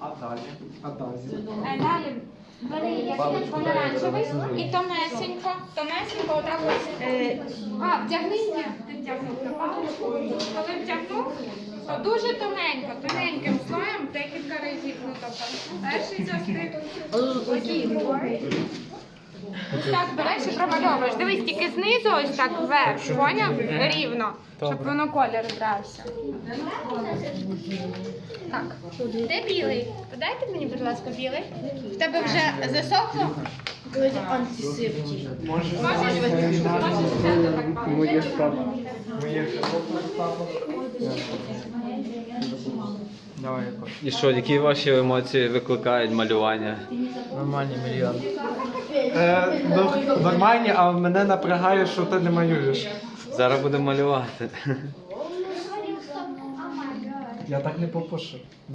А далі? А далі? Далі бери якийсь помаранчевий і тонесенько, отак ось. Вдягни, ти вдягнув на паличку. Коли вдягнув, то дуже тоненько, тоненьким слоєм декілька разів. Ну, тобто, перший застиг, ось другий. Ось так береш і промальовуєш. Дивись, тільки знизу ось так вверх, поняв? Рівно, щоб воно колір брався. Так, де білий? Подайте мені, будь ласка, білий. В тебе вже засохло? Антисептик. Можеш Можеш взяти так паличку. моє стало. Моє стало. Давай якось. І що, які ваші емоції викликають малювання? Нормальні мільйон. Нормальні, а мене напрягає, що ти не малюєш. Зараз будемо малювати. Я так не попишу.